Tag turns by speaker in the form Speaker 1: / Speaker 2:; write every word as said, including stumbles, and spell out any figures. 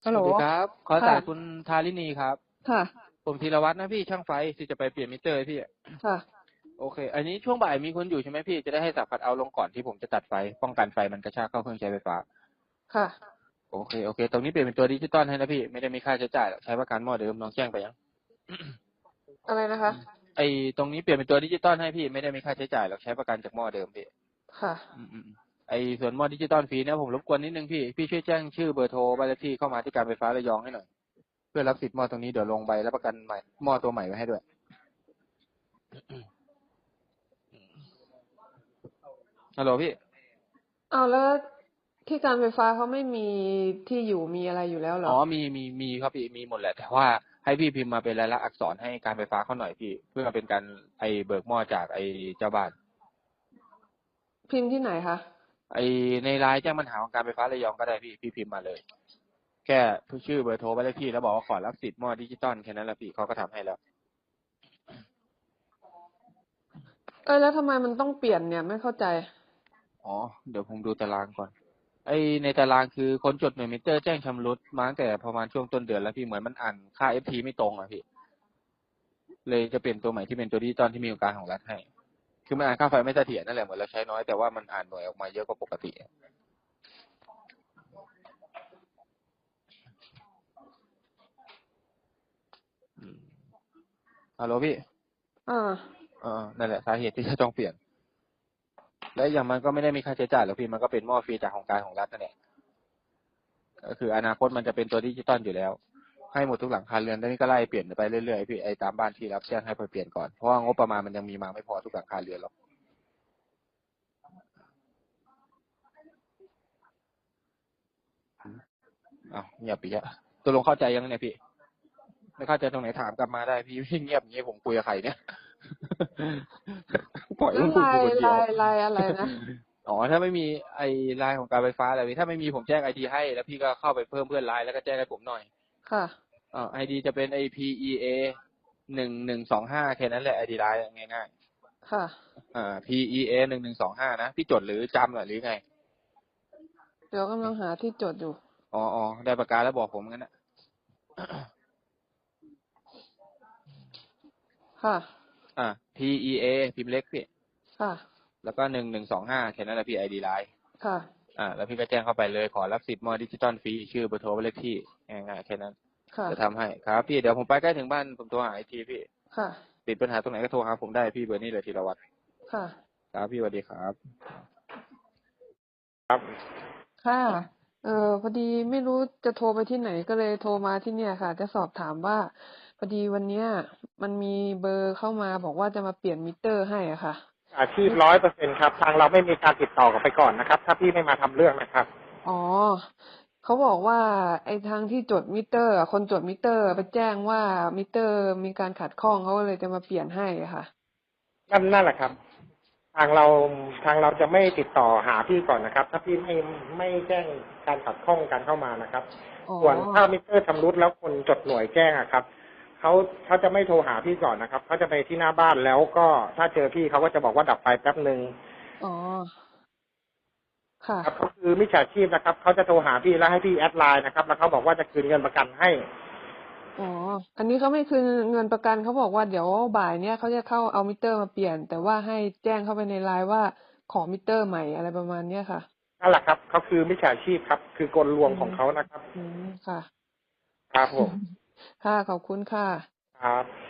Speaker 1: ฮัลโหล
Speaker 2: สวัสดีครับ ขอ
Speaker 1: ค่ะ
Speaker 2: สายคุณทาริณีครับ
Speaker 1: ค่ะ
Speaker 2: ผมธีรวัฒน์นะพี่ช่างไฟที่จะไปเปลี่ยนมิเตอร์ให้พี่
Speaker 1: ค่ะ
Speaker 2: โอเค อันนี้ช่วงบ่ายมีคนอยู่ใช่ไหมพี่ จะได้ให้สับคัทเอาท์ลงก่อนที่ผมจะตัดไฟ ป้องกันไฟมันกระชากเข้าเครื่องใช้ไฟฟ้า
Speaker 1: ค่ะ
Speaker 2: โอเค โอเค ตรงนี้เปลี่ยนเป็นตัวดิจิตอลให้นะพี่ ไม่ได้มีค่าใช้จ่ายหรอกใช้ประกันหม้อเดิมน้องแจ้งไปยัง
Speaker 1: อะไรนะคะ
Speaker 2: ไอตรงนี้เปลี่ยนเป็นตัวดิจิตอลให้พี่ ไม่ได้มีค่าใช้จ่ายหรอกใช้ประกันจากหม้อเดิมพี่
Speaker 1: ค่ะ
Speaker 2: อืมอืมไอส่วนหม้อดิจิตอลฟรีเนี่ยผมรบกวนนิดนึงพี่ พี่ช่วยแจ้งชื่อเบอร์โทรบ้านเลขที่เข้ามาที่การไฟฟ้าระยองให้หน่อย เพื่อรับสิทธิ์หม้อตรงนี้เดี๋ยวลงใบรับประกันใหม่หม้อตัวใหม่ไว้ให้ด้วย ฮัลโหลพี่
Speaker 1: เอาแล้วที่การไฟฟ้าเขาไม่มีที่อยู่มีอะไรอยู่แล้วเหร
Speaker 2: อ๋
Speaker 1: อ
Speaker 2: อ มี มี มีครับพี่ มีหมดแหละ แต่ว่าให้พี่พิมพ์มาเป็นลายลักษณ์อักษรให้การไฟฟ้าเขาหน่อยพี่ เพื่อเป็นการไอเบิกหม้อจากไอเจ้าบ้าน
Speaker 1: พิมพ์ที่ไหนคะ
Speaker 2: ไอในไลน์แจ้งปัญหาของการไฟฟ้าระยองก็ได้พี่ พี่พิมพ์มาเลย แค่ชื่อเบอร์โทรไปเลยพี่แล้วบอกว่าขอรับสิทธิ์หม้อดิจิตอลแค่นั้นแหละพี่เขาก็ทำให้แล้ว
Speaker 1: เอ้ยแล้วทำไมมันต้องเปลี่ยนเนี่ยไม่เข้าใจ
Speaker 2: อ๋อ เดี๋ยวผมดูตารางก่อน ไอในตารางคือคนจดหน่วยมิเตอร์แจ้งชำรุดมาตั้งแต่ประมาณช่วงต้นเดือนแล้วพี่เหมือนมันอ่านค่า เอฟ ที ไม่ตรงอ่ะพี่ เลยจะเปลี่ยนตัวใหม่ที่เป็นตัวดิจิตอลที่มีองค์การของรัฐให้ คือมันอ่านค่าไฟไม่เสถียรนั่นแหละเหมือนเราใช้น้อยแต่ว่ามันอ่านหน่วยออกมาเยอะกว่าปกติฮัลโหลพี่
Speaker 1: อ่า
Speaker 2: เออนั่นแหละสาเหตุที่จะต้องเปลี่ยน และอย่างมันก็ไม่ได้มีค่าใช้จ่ายหรอกพี่มันก็เป็นหม้อฟรีจากของการของรัฐนั่นแหละก็คืออนาคตมันจะเป็นตัวดิจิตอลอยู่แล้ว ให้หมดทุกหลังคาเรือนแล้วนี่ก็ไล่เปลี่ยนไปเรื่อยๆพี่ไอ้ตามบ้านที่รับแจ้งให้ไปเปลี่ยนก่อนเพราะว่างบประมาณมันยังมีมาไม่พอทุกหลังคาเรือนหรอกอ้าวเงียบไปแล้วตัวลงเข้าใจยังเนี่ยพี่ไม่เข้าใจตรงไหนถามกลับมาได้พี่พี่เงียบอย่างนี้ผมคุยกับใครเนี่ย ปล่อย
Speaker 1: แล้ว
Speaker 2: พูด
Speaker 1: ลาย
Speaker 2: คนเดียว
Speaker 1: ลายลายอะไรนะ
Speaker 2: อ๋อถ้าไม่มีไอ้ไลน์ของการไฟฟ้าอะไรพี่ถ้าไม่มีผมแจ้งไอดีให้แล้วพี่ก็เข้าไปเพิ่มเพื่อนไลน์แล้วก็แจ้งให้ผมหน่อย
Speaker 1: ค่ะ
Speaker 2: อ่าไอดีจะเป็นไอพีเอหนึ่งหนึ่งสองห้าแค่นั้นแหละไอดีไลน์ง่าย
Speaker 1: ค่ะ
Speaker 2: ๆอ่า พี อี เอ หนึ่งหนึ่งสองห้านะพี่จดหรือจำหรือไง
Speaker 1: เดี๋ยวกำลังหาที่จดอยู่
Speaker 2: อ๋ออ๋อได้ประกาศแล้วบอกผมงั้นนะ
Speaker 1: ค่ะ
Speaker 2: อ่า พี อี เอ พิมพ์เล็กพี่
Speaker 1: ค่ะ
Speaker 2: แล้วก็หนึ่งหนึ่งสองห้าแค่นั้นแหละพี่ไอดีไลน์
Speaker 1: ค่ะ
Speaker 2: อ่าแล้วพี่ก็แจ้งเข้าไปเลยขอรับสิทธิ์หม้อดิจิตอลฟรีชื่อเบอร์โทรเลขที่ง่ายๆแค่นั้น
Speaker 1: ค่ะ
Speaker 2: จะทำให้ครับพี่เดี๋ยวผมไปใกล้ถึงบ้านผมโทรหาไอทีพี่
Speaker 1: ค่ะ
Speaker 2: ติดปัญหาตรงไหนก็โทรหาผมได้พี่เบอร์นี้เลยธีรวัตร
Speaker 1: ค่ะ
Speaker 2: ครับพี่สวัสดีครับ
Speaker 1: ค่ะ เออพอดีไม่รู้จะโทรไปที่ไหนก็เลยโทรมาที่เนี่ยค่ะ จะสอบถามว่าพอดีวันเนี้ยมันมีเบอร์เข้ามาบอกว่าจะมาเปลี่ยนมิเตอร์ให้อ่ะค่ะ
Speaker 3: อาชีพร้อยเปอร์เซ็นครับ ทางเราไม่มีการติดต่อกลับไปก่อนนะครับ ถ้าพี่ไม่มาทำเรื่องนะครับ
Speaker 1: อ๋อ เขาบอกว่าไอ้ทางที่จดมิเตอร์อะคนจดมิเตอร์ไปแจ้งว่ามิเตอร์มีการขัดข้องเขาก็เลยจะมาเปลี่ยนให้อะค่ะ
Speaker 3: นั่นนั่นแหละครับ ทางเราทางเราจะไม่ติดต่อหาพี่ก่อนนะครับ ถ้าพี่ไม่ไม่แจ้งการขัดข้องการเข้ามานะครับ
Speaker 1: อ๋อ
Speaker 3: ส่วนถ้ามิเตอร์ชำรุดแล้วคนจดหน่วยแจ้งอะครับเขาเขาจะไม่โทรหาพี่ก่อนนะครับเขาจะไปที่หน้าบ้านแล้วก็ถ้าเจอพี่เขาก็จะบอกว่าดับไฟแป๊บหนึ่ง
Speaker 1: อ๋อ ค่ะ
Speaker 3: ครับเขาคือมิจฉาชีพนะครับเขาจะโทรหาพี่แล้วให้พี่แอดไลน์นะครับแล้วเขาบอกว่าจะคืนเงินประกันให้
Speaker 1: อ๋อ อันนี้เขาไม่คืนเงินประกันเขาบอกว่าเดี๋ยวบ่ายเนี้ยเขาจะเข้าเอามิเตอร์มาเปลี่ยน แต่ว่าให้แจ้งเข้าไปในไลน์ว่าขอมิเตอร์ใหม่อะไรประมาณเนี้ยค่ะ
Speaker 3: นั่นแหละครับเขาคือมิจฉาชีพครับ คือกลลวงของเขานะครับ
Speaker 1: อืมค่ะ
Speaker 3: ครับผม
Speaker 1: ค่ะ ขอบคุณค่ะ
Speaker 3: ครับ